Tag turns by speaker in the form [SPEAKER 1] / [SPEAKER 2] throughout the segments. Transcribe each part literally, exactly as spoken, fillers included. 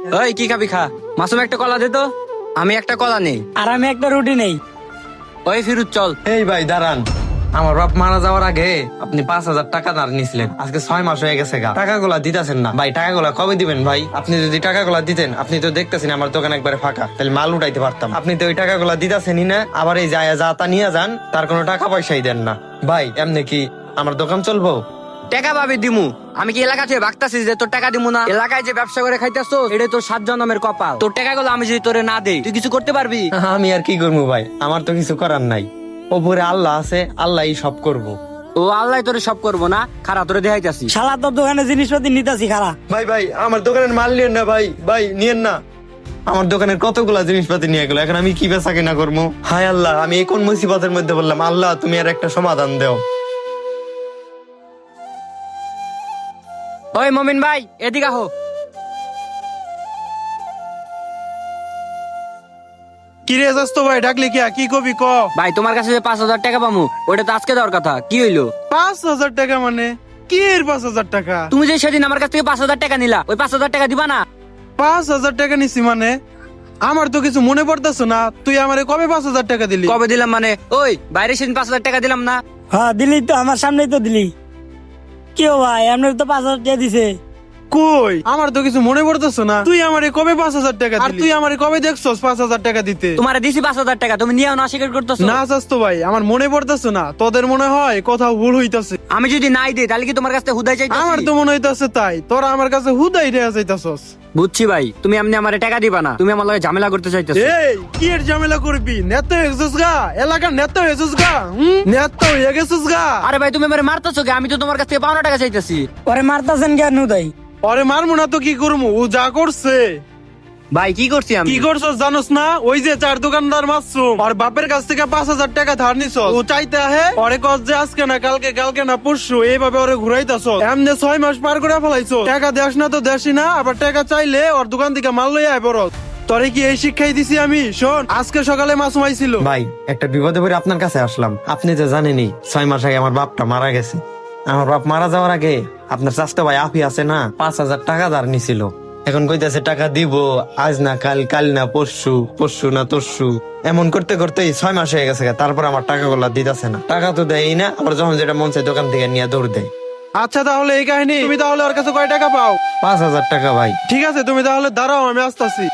[SPEAKER 1] ওই কি খাবি খা, মাসুম একটা কলা দে তো। আমি একটা কলা নেই।
[SPEAKER 2] আর আমি একটা রুটি নেই।
[SPEAKER 1] ওই ফিরুজ চল।
[SPEAKER 3] এই ভাই দাঁড়ান, আমার বাপ মারা যাওয়ার আগে আপনি পাঁচ হাজার টাকা ধার নিছিলেন, আজকে ছয় মাস হয়ে গেছে গা, টাকাগুলা দিতেছেন না ভাই। টাকাগুলা কবে দিবেন ভাই? আপনি যদি টাকাগুলা দিতেন, আপনি তো দেখতেছেন আমার দোকান একবারে ফাঁকা, তাহলে মাল উঠাইতে পারতাম। আপনি তো ওই টাকাগুলা দিতেছেনই না, আবার এই যায় যা তা নিয়ে যান, তার কোনো টাকা পয়সাই দেন না ভাই। এমনি কি আমার দোকান চলবো?
[SPEAKER 1] টাকা পাবি দিমু। আমি কি এলাকা থেকে ভাগতাছি যে তোর টাকা দিমু না? এলাকায় যে ব্যবসা করে খাইতেছো এটা তোর সাত জন্মের কপাল। তোর টাকাগুলো আমি যদি তোরে না দেই, তুই কিছু করতে পারবি?
[SPEAKER 3] আমি আর কি করবো ভাই, আমার তো কিছু করার নাই। ওপরে আল্লাহ আছে, আল্লাহই সব করবো।
[SPEAKER 1] ও আল্লাহ তোরে সব করবো না, খারাপ তোরে দেখাইতাছি।
[SPEAKER 2] শালা তোর দোকানে জিনিসপাতি নিতাছি খারা।
[SPEAKER 3] ভাই ভাই আমার দোকানের মাল নিয়েন না ভাই, ভাই নিয়েন না। আমার দোকানের কতগুলা জিনিসপাতি নিয়ে গেল, এখন আমি কি বেচা কিনা করবো? হায় আল্লাহ, আমি এই কোন মুসিবতের মধ্যে বললাম। আল্লাহ তুমি আর একটা সমাধান দাও।
[SPEAKER 1] ওই মমিন ভাই এদিকে আহো।
[SPEAKER 4] কি রে দোস্ত ভাই, ডাকলি কি কি কবি ক?
[SPEAKER 1] ভাই তোমার কাছে যে পাঁচ হাজার টাকা পামু, ওটা তো আজকে দেওয়ার কথা, কি হইলো?
[SPEAKER 4] পাঁচ হাজার টাকা মানে কি এর পাঁচ হাজার টাকা?
[SPEAKER 1] তুমি যে সেদিন আমার কাছ থেকে পাঁচ হাজার টাকা নিলা, ওই পাঁচ হাজার টাকা দিবা না?
[SPEAKER 4] পাঁচ হাজার টাকা নিছি মানে? আমার তো কিছু মনে পড়তেছ না। তুই আমারে কবে পাঁচ হাজার টাকা দিলি?
[SPEAKER 1] কবে দিলাম মানে? ওই বাইরে সেদিন পাঁচ হাজার টাকা দিলাম না?
[SPEAKER 2] হ্যাঁ দিলি তো, আমার সামনেই তো দিলি। কেউ ভাই আপনার তো পাঁচ হাজার টাকা দিছে।
[SPEAKER 4] কই আমার তো কিছু মনে পড়তেছ না। তুই আমারে কবে পাঁচ হাজার টাকা দিলি? আর তুই আমারে কবে দেখছস পাঁচ হাজার টাকা দিতে?
[SPEAKER 1] তোমার দিছি পাঁচ হাজার টাকা, তুমি নিয়েও না স্বীকার করতেছো।
[SPEAKER 4] না চাস্তো ভাই, আমার মনে পড়তেছ না। তোদের মনে হয় কোথাও ভুল হইতাছে।
[SPEAKER 1] আমি যদি নাই দিই তাহলে কি তোমার কাছে হুদাই চাইতাছি?
[SPEAKER 4] আমার তো মনে হইতাছে তাই তোরা আমার কাছে হুদাই রেয়া যাইতাছস।
[SPEAKER 1] বুঝছি ভাই, তুমি এমনি আমারে টাকা দিবা না, তুমি আমার লগে ঝামেলা করতে চাইতেছো।
[SPEAKER 4] এই কি এর ঝামেলা করবি? নেতা হয়েছিস গা, এলাকার নেতা হয়েছিস গা, হুম নেতা হয়ে গেছিস গা।
[SPEAKER 1] আরে ভাই তুমি আমারে মারতেছো কে? আমি তো তোমার কাছ থেকে পাওনা টাকা চাইতেছি।
[SPEAKER 2] ওরে মারতাছেন কেন উদয়?
[SPEAKER 4] আরে মারমু না তো কি করবো? ও যা করছে।
[SPEAKER 1] ভাই কি করছি আমি?
[SPEAKER 4] কি করছস জানোস না? ওই যে চার দোকানদার মাসুম আর বাপের কাছ থেকে পাঁচ হাজার টাকা ধার নিছ। ও চাইতে আহে ওরে কস যে আজকে না কালকে, কালকে না পরশু, এইভাবে ওরে ঘুরাইতাছ। এমনি ছয় মাস পার করে ফেলাইছো। টাকা দেস না তো দেসি না, আবার টাকা চাইলে ওর দোকান থেকে মাল লইয়া আয় বড়। তোরে কি এই শিক্ষাই দিছি আমি? শোন, আজকে সকালে মাসুম আইছিল।
[SPEAKER 3] ভাই একটা বিপদে পড়ে আপনার কাছে আসলাম। আপনি তো জানেনই ছয় মাস আগে আমার বাপটা মারা গেছে। আমার বাপ মারা যাওয়ার আগে আপনার চাচা ভাই আফি আছে না, পাঁচ হাজার টাকা ধার নিছিল। এখন কইতাছে টাকা দিব, আজ না কাল, কাল না পরশু, পরশু না তরশু, এমন করতে করতে ছয় মাস হয়ে গেছে। তারপর আমার টাকাগুলা দিতেছে না, টাকা তো দেয়ই না, আবার যখন যেটা মন চায় দোকান থেকে নিয়ে দৌড় দেয়।
[SPEAKER 4] আচ্ছা তাহলে এই কাহিনী। তুমি তাহলে ওর কাছে কয় টাকা পাও?
[SPEAKER 3] পাঁচ হাজার টাকা ভাই।
[SPEAKER 4] ঠিক আছে তুমি তাহলে দাঁড়াও, আমি আসতেছি।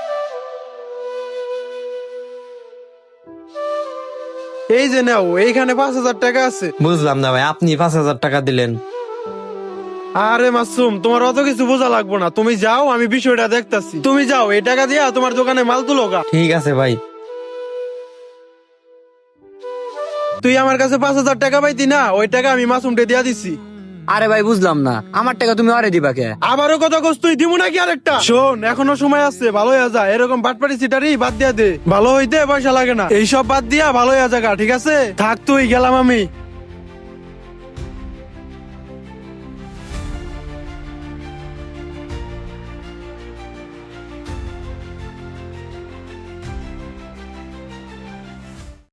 [SPEAKER 4] এই যে নাও, এইখানে পাঁচ হাজার টাকা আছে।
[SPEAKER 3] বুঝলাম না ভাই, আপনি পাঁচ হাজার টাকা দিলেন।
[SPEAKER 4] আরে মাসুম, তোমার অত কিছু বোঝা লাগবো না। তুমি যাও, আমি বিষয়টা দেখতাছি। তুমি যাও, এই টাকা দিয়া তোমার দোকানে মাল তুলো গা।
[SPEAKER 3] ঠিক আছে ভাই।
[SPEAKER 4] তুই আমার কাছে পাঁচ হাজার টাকা পাইতি না, ওই টাকা আমি মাসুমকে দিয়া দিছি।
[SPEAKER 1] আরে ভাই বুঝলাম না, আমার টাকা তুমি আরে দিবা কে?
[SPEAKER 4] আবারও কথা কস তুই, দিমু নাকি আরেকটা? শোন, এখনো সময় আছে, ভালো হয়ে যা। এরকম বাটপাড়ি সিটারি বাদ দিয়া দে, ভালো হইতে পয়সা লাগে না। এইসব বাদ দিয়া ভালো হয়ে যা গা, ঠিক আছে? থাক তুই, গেলাম আমি।